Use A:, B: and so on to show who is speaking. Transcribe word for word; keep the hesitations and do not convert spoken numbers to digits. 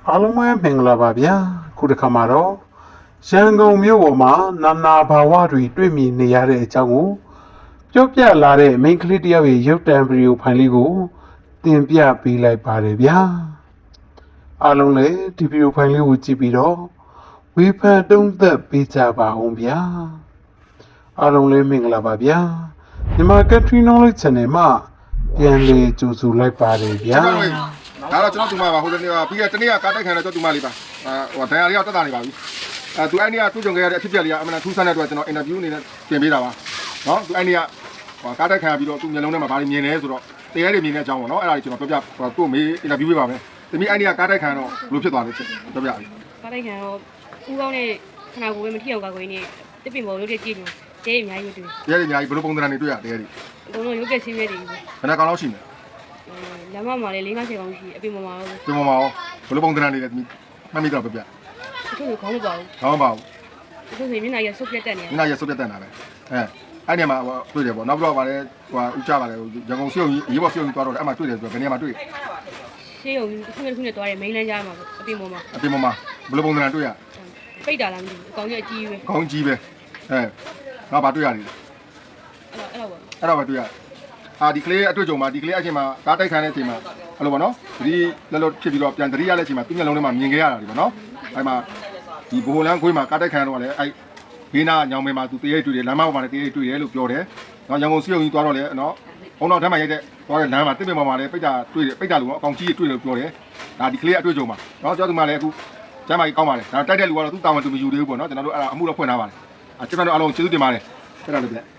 A: အားလုံးပဲမင်္ဂလာပါဗျာခုတစ်ခါမှာတော့ရန်ကုန်မြို့ပေါ်မှာနာနာဘာဝတွေတွေ့မြင်နေရတဲ့အကြောင်းကိုပြောပြလာတဲ့မိန်းကလေးတယောက်ရဲ့ရုပ်တံဗီဒီယိုဖိုင်လေးကိုတင်ပြပေးလိုက်ပါတယ်ဗျာအားလုံးလည်းဒီဗီဒီယိုဖိုင်လေးကိုကြည့်ပြီးတော့ဝေဖန်တုံးသက်ပေးကြပါအောင်ဗျာအားလုံးလည်းမင်္ဂလာပါဗျာမြန်မာ Country Knowledge Channel မှာပြန်လည်ကြိုဆိုလိုက်ပါတယ်ဗျာ
B: ဒါတော့ကျွန်တော်ဒီမှာပါဟိုတနေ့ကပြီးခဲ့တနေ့ကကားတိုက်ခံတော့ကျွန်တော်ဒီမှာလေးပါဟိုဒဏ်ရာလေးကတက်တာနေပါပြီအဲသူအဲ့နေ့ကသူ့ကြုံခဲ့ရတဲ့အဖြစ်အပျက်လေးကအမှန်တထူးဆန်းတဲ့အတွက်ကျွန်တော်အင်တာဗျူးအနေနဲ့ပြင်ပေးတာပါနော်သူအဲ့နေ့ကဟိုကားတိုက်ခံပြီးတော့သူ့မျက်လုံးထဲမှာဘာတွေမြင်လဲဆိုတော့တရားတွေမြင်တဲ့အကြောင်းပေါ့နော်အဲ့ဒါကြီးကျွန်တော်ပြောပြသူ့မေးအင်တာဗျူးပေးပါမယ်တမီအဲ့နေ့ကကားတိုက်ခံတော့ဘလို့ဖြစ်သွားလဲပြောပြပြီ
C: ကားတိုက်ခံတော့ဦးကောင်းနဲ့ခနာကိုပဲမထီအောင်ကာကိုင်းနဲ့တစ်ပင်ပေါ်ရုပ်တဲ့ကြည့်လို့တဲအများကြီးတွေ့
B: ရဲတွေအများကြီးဘလို့ပုံသဏ္ဍာန်တွေတွေ့ရတရားတွေ
C: အကုန်လုံးရုပ်ကဆင်းရဲတွေ
B: ခဏကောင်လောက်ရှိနေ
C: လမ်းမမှာလည်း၄-၅ဆယ်ကောင်းရှိအပြင်မှာတော့
B: ပြင်မှာရောဘလို့ပုံသဏ္ဍာန်တွေလည်းမှတ်မိတော့ပြပြ
C: တချို့ခေါင်းမပါဘူး
B: ခေါင်းမပါဘူး
C: တချို့ဆိုမျက်နှာရဆုပ်ပြတ်တက်နေ
B: မျက်နှာရဆုပ်ပြတ်တက်နေတာပဲအဲအဲ့ဒီမှာတွေ့တယ်ပေါ့နောက်ပြီးတော့ဗါလဲဟိုဥကြပါလေရန်ကုန်စီုံကြီးရေးပေါ်စီုံကြီးသွားတော့အဲ့မှာတွေ့တယ်ဆိုတော့ဘယ်နေရာမှာတွေ့
C: ရှေးုံခုနှစ်ခုနှစ်သွားတယ်မိန်းလန်းကြားမှာအပြင်ပေါ်မှာ
B: အပြင်ပေါ်မှာဘလို့ပုံသဏ္ဍာန်တွေ့ရ
C: ပိတ်တာလားမသိဘူးအကောင်ကြီးအကြီးပဲ
B: အကောင်ကြီးပဲအဲငါဘာတွေ့ရတယ်
C: အဲ့တော့
B: အဲ့တော့ပဲတွေ့ရအာဒီကလေးအတွေ့အကြုံမှာဒီကလေးအချိန်မှာကားတိုက်ခိုင်းတဲ့အချိန်မှာအဲ့လိုပေါ့နော်ဒီလက်လို့ဖြစ်ပြီးတော့ပြန်တတိယလက်ချိန်မှာသူ့မျက်လုံးထဲမှာမြင်ခဲ့ရတာဒီပေါ့နော်အဲ့မှာဒီဘိုလန်းခွေးမှာကားတိုက်ခိုင်းတော့လည်းအဲ့ဘေးနာညောင်မဲမှာသူတရေတွေ့တယ်လမ်းမပေါ်မှာလည်းတရေတွေ့တယ်လို့ပြောတယ်နော်ရန်ကုန်စီုံကြီးသွားတော့လည်းနော်ဘုံတော်ထမ်းမှာရိုက်တဲ့သွားတဲ့လမ်းမှာတစ်ပင်ပေါ်မှာလည်းပိတ်တာတွေ့တယ်ပိတ်တာလို့အကောင်ကြီးတွေ့တယ်လို့ပြောတယ်ဒါဒီကလေးအတွေ့အကြုံမှာနော်ကျောင်းသူမလည်းအခုကျမ်းမာကြီးကောင်းပါလေဒါတိုက်တဲ့လူကတော့သူ့တာဝန်သူမယူသေးဘူးပေါ့နော်ကျွန်တော်တို့အဲ့ဒါအမှုတော့ဖွင့်ထားပါလေအကျွန်တော်တို့အားလုံးကျေးဇူးတင်ပါတယ်အဲ့ဒါလည်းပြ